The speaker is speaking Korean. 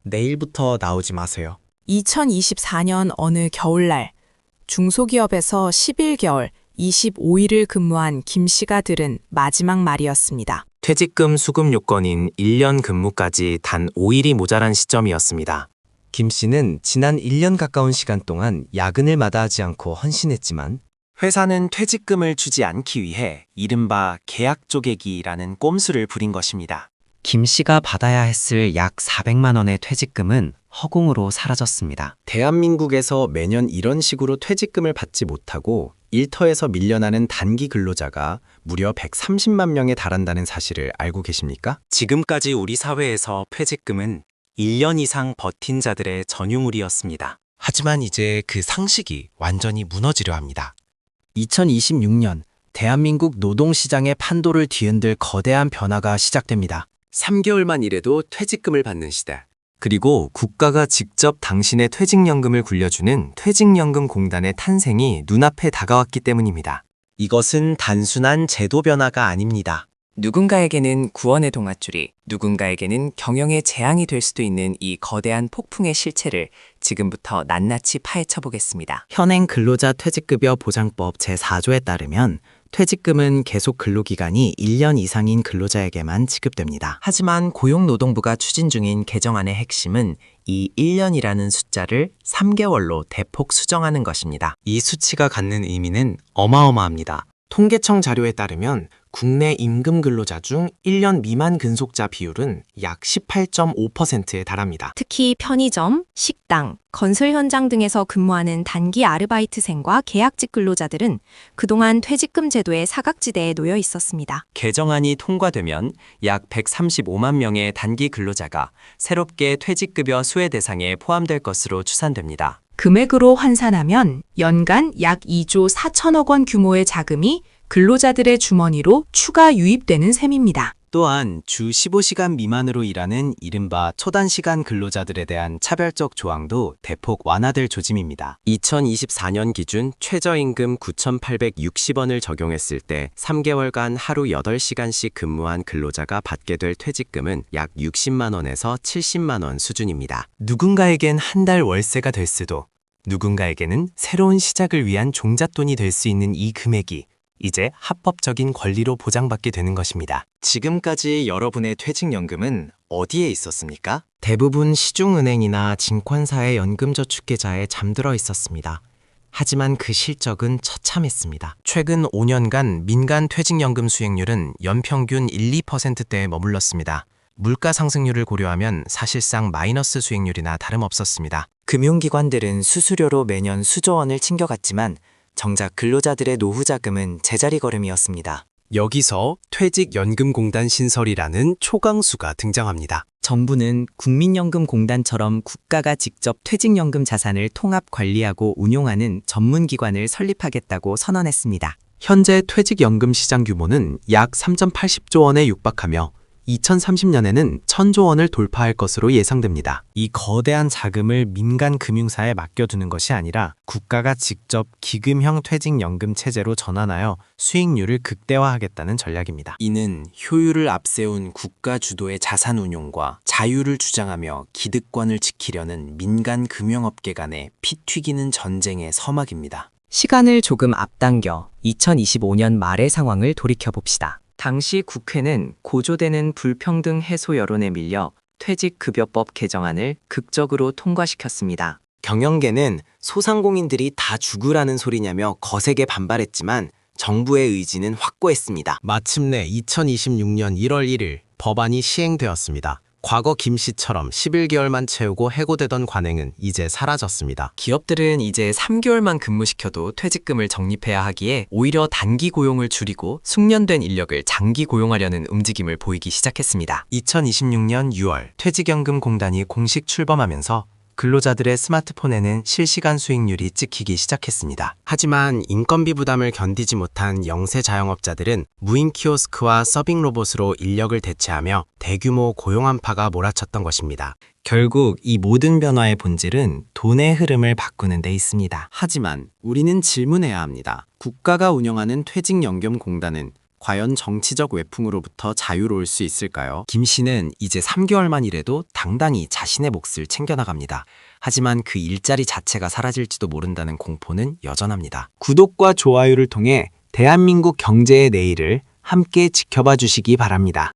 내일부터 나오지 마세요. 2024년 어느 겨울날 중소기업에서 11개월 25일을 근무한 김 씨가 들은 마지막 말이었습니다. 퇴직금 수급 요건인 1년 근무까지 단 5일이 모자란 시점이었습니다. 김 씨는 지난 1년 가까운 시간 동안 야근을 마다하지 않고 헌신했지만 회사는 퇴직금을 주지 않기 위해 이른바 계약 쪼개기라는 꼼수를 부린 것입니다. 김 씨가 받아야 했을 약 400만 원의 퇴직금은 허공으로 사라졌습니다. 대한민국에서 매년 이런 식으로 퇴직금을 받지 못하고 일터에서 밀려나는 단기 근로자가 무려 130만 명에 달한다는 사실을 알고 계십니까? 지금까지 우리 사회에서 퇴직금은 1년 이상 버틴 자들의 전유물이었습니다. 하지만 이제 그 상식이 완전히 무너지려 합니다. 2026년 대한민국 노동시장의 판도를 뒤흔들 거대한 변화가 시작됩니다. 3개월만 일해도 퇴직금을 받는 시대. 그리고 국가가 직접 당신의 퇴직연금을 굴려주는 퇴직연금공단의 탄생이 눈앞에 다가왔기 때문입니다. 이것은 단순한 제도 변화가 아닙니다. 누군가에게는 구원의 동아줄이, 누군가에게는 경영의 재앙이 될 수도 있는 이 거대한 폭풍의 실체를 지금부터 낱낱이 파헤쳐 보겠습니다. 현행 근로자 퇴직급여 보장법 제4조에 따르면 퇴직금은 계속 근로기간이 1년 이상인 근로자에게만 지급됩니다. 하지만 고용노동부가 추진 중인 개정안의 핵심은 이 1년이라는 숫자를 3개월로 대폭 수정하는 것입니다. 이 수치가 갖는 의미는 어마어마합니다. 통계청 자료에 따르면 국내 임금 근로자 중 1년 미만 근속자 비율은 약 18.5%에 달합니다. 특히 편의점, 식당, 건설 현장 등에서 근무하는 단기 아르바이트생과 계약직 근로자들은 그동안 퇴직금 제도의 사각지대에 놓여 있었습니다. 개정안이 통과되면 약 135만 명의 단기 근로자가 새롭게 퇴직급여 수혜 대상에 포함될 것으로 추산됩니다. 금액으로 환산하면 연간 약 2조 4천억 원 규모의 자금이 근로자들의 주머니로 추가 유입되는 셈입니다. 또한 주 15시간 미만으로 일하는 이른바 초단시간 근로자들에 대한 차별적 조항도 대폭 완화될 조짐입니다. 2024년 기준 최저임금 9,860원을 적용했을 때 3개월간 하루 8시간씩 근무한 근로자가 받게 될 퇴직금은 약 60만 원에서 70만 원 수준입니다. 누군가에겐 한 달 월세가 될 수도, 누군가에게는 새로운 시작을 위한 종잣돈이 될 수 있는 이 금액이 이제 합법적인 권리로 보장받게 되는 것입니다. 지금까지 여러분의 퇴직연금은 어디에 있었습니까? 대부분 시중은행이나 증권사의 연금저축계좌에 잠들어 있었습니다. 하지만 그 실적은 처참했습니다. 최근 5년간 민간 퇴직연금 수익률은 연평균 1~2%대에 머물렀습니다. 물가 상승률을 고려하면 사실상 마이너스 수익률이나 다름없었습니다. 금융기관들은 수수료로 매년 수조 원을 챙겨갔지만 정작 근로자들의 노후 자금은 제자리 걸음이었습니다. 여기서 퇴직연금공단 신설이라는 초강수가 등장합니다. 정부는 국민연금공단처럼 국가가 직접 퇴직연금 자산을 통합 관리하고 운용하는 전문기관을 설립하겠다고 선언했습니다. 현재 퇴직연금 시장 규모는 약 3.80조 원에 육박하며 2030년에는 1,000조 원을 돌파할 것으로 예상됩니다. 이 거대한 자금을 민간 금융사에 맡겨두는 것이 아니라 국가가 직접 기금형 퇴직연금 체제로 전환하여 수익률을 극대화하겠다는 전략입니다. 이는 효율을 앞세운 국가 주도의 자산 운용과 자유를 주장하며 기득권을 지키려는 민간 금융업계 간의 피 튀기는 전쟁의 서막입니다. 시간을 조금 앞당겨 2025년 말의 상황을 돌이켜봅시다. 당시 국회는 고조되는 불평등 해소 여론에 밀려 퇴직급여법 개정안을 극적으로 통과시켰습니다. 경영계는 소상공인들이 다 죽으라는 소리냐며 거세게 반발했지만 정부의 의지는 확고했습니다. 마침내 2026년 1월 1일 법안이 시행되었습니다. 과거 김 씨처럼 11개월만 채우고 해고되던 관행은 이제 사라졌습니다. 기업들은 이제 3개월만 근무시켜도 퇴직금을 적립해야 하기에 오히려 단기 고용을 줄이고 숙련된 인력을 장기 고용하려는 움직임을 보이기 시작했습니다. 2026년 6월 퇴직연금공단이 공식 출범하면서 근로자들의 스마트폰에는 실시간 수익률이 찍히기 시작했습니다. 하지만 인건비 부담을 견디지 못한 영세 자영업자들은 무인 키오스크와 서빙 로봇으로 인력을 대체하며 대규모 고용 한파가 몰아쳤던 것입니다. 결국 이 모든 변화의 본질은 돈의 흐름을 바꾸는 데 있습니다. 하지만 우리는 질문해야 합니다. 국가가 운영하는 퇴직연금공단은 과연 정치적 외풍으로부터 자유로울 수 있을까요? 김 씨는 이제 3개월만 일해도 당당히 자신의 몫을 챙겨나갑니다. 하지만 그 일자리 자체가 사라질지도 모른다는 공포는 여전합니다. 구독과 좋아요를 통해 대한민국 경제의 내일을 함께 지켜봐 주시기 바랍니다.